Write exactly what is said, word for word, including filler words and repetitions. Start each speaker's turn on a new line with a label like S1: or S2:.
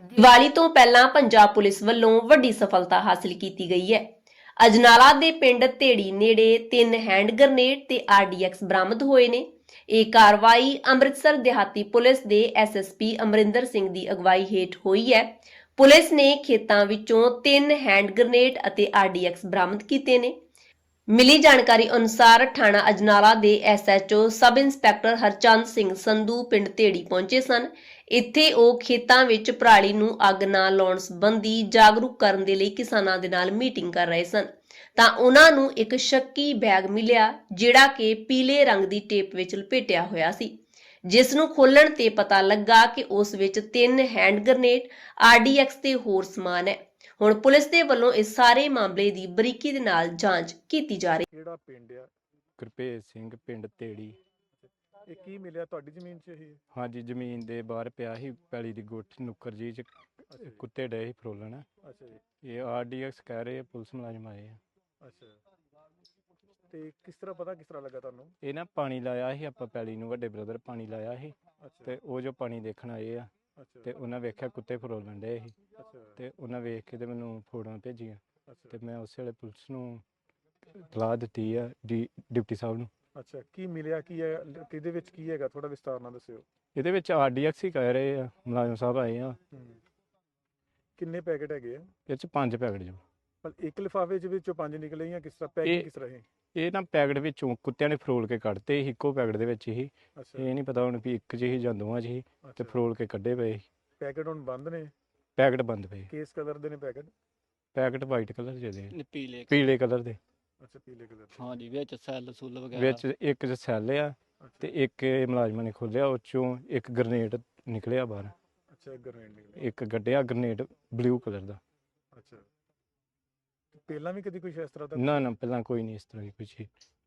S1: ਦੀਵਾਲੀ ਤੋਂ ਪਹਿਲਾਂ ਪੰਜਾਬ ਪੁਲਿਸ ਵੱਲੋਂ ਵੱਡੀ ਸਫਲਤਾ ਹਾਸਲ ਕੀਤੀ ਗਈ ਹੈ। ਅਜਨਾਲਾ ਦੇ ਪਿੰਡ ਢੇੜੀ ਨੇੜੇ ਤਿੰਨ ਹੈਂਡ ਗ੍ਰਨੇਡ ਤੇ ਆਰਡੀਐਕਸ ਬਰਾਮਦ ਹੋਏ ਨੇ। ਇਹ ਕਾਰਵਾਈ ਅੰਮ੍ਰਿਤਸਰ ਦਿਹਾਤੀ ਪੁਲਿਸ ਦੇ ਐਸਐਸਪੀ ਅਮਰਿੰਦਰ ਸਿੰਘ ਦੀ ਅਗਵਾਈ ਹੇਠ ਹੋਈ ਹੈ। ਪੁਲਿਸ ਨੇ ਖੇਤਾਂ ਵਿੱਚੋਂ ਤਿੰਨ ਹੈਂਡ ਗ੍ਰਨੇਡ ਅਤੇ ਆਰਡੀਐਕਸ ਬਰਾਮਦ ਕੀਤੇ ਨੇ। ਮਿਲੀ ਜਾਣਕਾਰੀ ਅਨੁਸਾਰ ਥਾਣਾ ਅਜਨਾਲਾ ਦੇ SHO sub inspector Harchand Singh Sandhu ਪਿੰਡ ਢੇੜੀ ਪਹੁੰਚੇ ਸਨ। ਇੱਥੇ ਉਹ ਖੇਤਾਂ ਵਿੱਚ ਪਰਾਲੀ ਨੂੰ ਅੱਗ ਨਾ ਲਾਉਣ ਸੰਬੰਧੀ ਜਾਗਰੂਕ ਕਰਨ ਦੇ ਲਈ ਕਿਸਾਨਾਂ ਦੇ ਨਾਲ ਮੀਟਿੰਗ ਕਰ ਰਹੇ ਸਨ ਤਾਂ ਉਹਨਾਂ ਨੂੰ ਇੱਕ ਸ਼ੱਕੀ ਬੈਗ ਮਿਲਿਆ ਜਿਹੜਾ ਕਿ ਪੀਲੇ ਰੰਗ ਦੀ ਟੇਪ ਵਿੱਚ ਲਪੇਟਿਆ ਹੋਇਆ ਸੀ, ਜਿਸ ਨੂੰ ਖੋਲਣ ਤੇ ਪਤਾ ਲੱਗਾ ਕਿ ਉਸ ਵਿੱਚ ਤਿੰਨ ਹੈਂਡ ਗ੍ਰਨੇਡ, ਆਰਡੀਐਕਸ ਤੇ ਹੋਰ ਸਮਾਨ ਹੈ। ਹੁਣ ਪੁਲਿਸ ਦੇ ਵੱਲੋਂ ਇਸ ਸਾਰੇ ਮਾਮਲੇ ਦੀ ਬਰੀਕੀ ਦੇ ਨਾਲ ਜਾਂਚ ਕੀਤੀ ਜਾ ਰਹੀ ਹੈ।
S2: ਕਿਹੜਾ ਪਿੰਡ ਆ?
S3: ਗੁਰਭੇਜ ਸਿੰਘ ਪਿੰਡ ਢੇੜੀ।
S2: ਇਹ ਕੀ ਮਿਲਿਆ ਤੁਹਾਡੀ ਜ਼ਮੀਨ 'ਚ ਇਹ?
S3: ਹਾਂਜੀ, ਜ਼ਮੀਨ ਦੇ ਬਾਹਰ ਪਿਆ ਸੀ ਪੈਲੀ ਦੀ ਗੁੱਠ ਨੁੱਕਰ ਜੀ ਚ
S2: ਅੱਛਾ ਜੀ।
S3: ਕੁੱਤੇ ਡਏ ਸੀ ਫਰੋਲਣ।
S2: ਅੱਛਾ ਜੀ।
S3: ਇਹ ਆਰਡੀਐਕਸ ਕਹਿ ਰਹੇ ਆ, ਪੁਲਿਸ ਮੁਲਾਜ਼ਮ ਆਏ ਆ।
S2: ਅੱਛਾ, ਤੇ ਕਿਸ ਤਰ੍ਹਾਂ ਪਤਾ ਕਿਸ ਤਰ੍ਹਾਂ ਲੱਗਾ ਤੁਹਾਨੂੰ?
S3: ਇਹ ਨਾ ਪਾਣੀ ਲਾਇਆ ਸੀ ਆਪਾਂ ਪੈਲੀ ਨੂੰ, ਵੱਡੇ ਬ੍ਰਦਰ ਪਾਣੀ ਲਾਇਆ ਸੀ
S2: ਅੱਛਾ
S3: ਤੇ ਉਹ ਜੋ ਪਾਣੀ ਦੇਖਣ ਆਏ ਆ
S2: ਅੱਛਾ
S3: ਤੇ ਉਹਨਾਂ ਵੇਖਿਆ ਕੁੱਤੇ ਫਰੋਲਣ ਡਏ ਸੀ
S2: ਅੱਛਾ
S3: ਤੇ ਉਹਨਾਂ ਵੇਖ ਕੇ ਤੇ ਮੈਨੂੰ ਫੋਟੋਆਂ ਭੇਜੀਆਂ
S2: ਅੱਛਾ
S3: ਤੇ ਮੈਂ ਉਸੇ ਵੇਲੇ ਪੁਲਿਸ ਨੂੰ ਇਤਲਾਹ ਦਿੱਤੀ ਆ, ਡੀ ਡਿਪਟੀ ਸਾਹਿਬ ਨੂੰ।
S2: ਅੱਛਾ, ਕੀ ਮਿਲਿਆ ਕੀ ਹੈ? ਕਿਹਦੇ ਵਿੱਚ ਕੀ ਹੈਗਾ? ਥੋੜਾ ਵਿਸਤਾਰ ਨਾਲ ਦੱਸਿਓ।
S3: ਇਹਦੇ ਵਿੱਚ ਆਰਡੀਐਕਸ ਹੀ ਕਹਿ ਰਹੇ ਆ, ਮੁਲਾਜ਼ਮ ਸਾਹਿਬ ਆਏ ਆ।
S2: ਹੂੰ। ਕਿੰਨੇ ਪੈਕੇਟ ਹੈਗੇ ਆ?
S3: ਇਹ ਚ ਪੰਜ ਪੈਕਟ ਜੋ।
S2: ਪਰ ਇੱਕ ਲਿਫਾਫੇ ਚ ਵਿੱਚੋਂ ਪੰਜ ਨਿਕਲੇ ਜਾਂ ਕਿਸ ਤਰ੍ਹਾਂ?
S3: ਇਹ-
S2: ਪੈਕਿੰਗ ਕਿਸ ਤਰ੍ਹਾਂ ਹੈ?
S3: ਇਹ ਨਾ ਪੈਕਟ ਵਿੱਚੋਂ ਕੁੱਤਿਆਂ ਨੇ ਫਰੋਲ ਕੇ ਕੱਢਤੇ ਸੀ, ਇੱਕੋ ਪੈਕਟ ਦੇ ਵਿੱਚ ਹੀ।
S2: ਅੱਛਾ
S3: ਇਹ ਨਹੀਂ ਪਤਾ ਹੁਣ ਵੀ ਇੱਕ 'ਚ ਹੀ ਜਾਂ ਦੋਵਾਂ 'ਚ ਹੀ ਤੇ
S2: ਅੱਛਾ।
S3: ਫਰੋਲ ਕੇ ਕੱਢੇ ਪਏ ਸੀ।
S2: ਪੈਕੇਟ ਹੁਣ ਬੰਦ ਨੇ?
S3: ਪੈਕਟ ਬੰਦ ਪਏ।
S2: ਕਿਸ ਕਲਰ ਦੇ ਨੇ ਪੈਕਟ?
S3: ਪੈਕਟ ਵਾਈਟ ਕਲਰ ਦੇ ਦੇ,
S4: ਨ- ਪੀਲੇ
S3: ਪੀਲੇ ਕਲਰ ਦੇ।
S2: ਅੱਛਾ, ਪੀਲੇ ਕਲਰ ਦੇ।
S4: ਹਾਂਜੀ, ਵਿੱਚ ਸੈੱਲ ਸੁੱਲ ਵਗੈਰਾ।
S3: ਵਿੱਚ ਇੱਕ 'ਚ ਸੈੱਲ ਆ ਤੇ
S2: ਅੱਛਾ
S3: ਇੱਕ ਇਹ ਮੁਲਾਜ਼ਮਾਂ ਨੇ ਖੋਲਿਆ, ਉਹ 'ਚੋਂ ਇੱਕ ਗ੍ਰਨੇਡ ਨਿਕਲਿਆ ਬਾਹਰ।
S2: ਅੱਛਾ, ਗ੍ਰਨੇਡ ਨਿਕਲੇ।
S3: ਇੱਕ ਗੱਡਿਆ ਗ੍ਰਨੇਡ ਬਲੂ ਕਲਰ ਦਾ।
S2: ਅੱਛਾ, ਤੇ ਪਹਿਲਾਂ ਵੀ ਕਦੀ ਕੁਝ ਇਸ ਤਰ੍ਹਾਂ ਦਾ?
S3: ਨਾ ਨਾ, ਪਹਿਲਾਂ ਕੋਈ ਨਹੀਂ ਇਸ ਤਰ੍ਹਾਂ ਦੀ ਕੋਈ ਚੀਜ਼।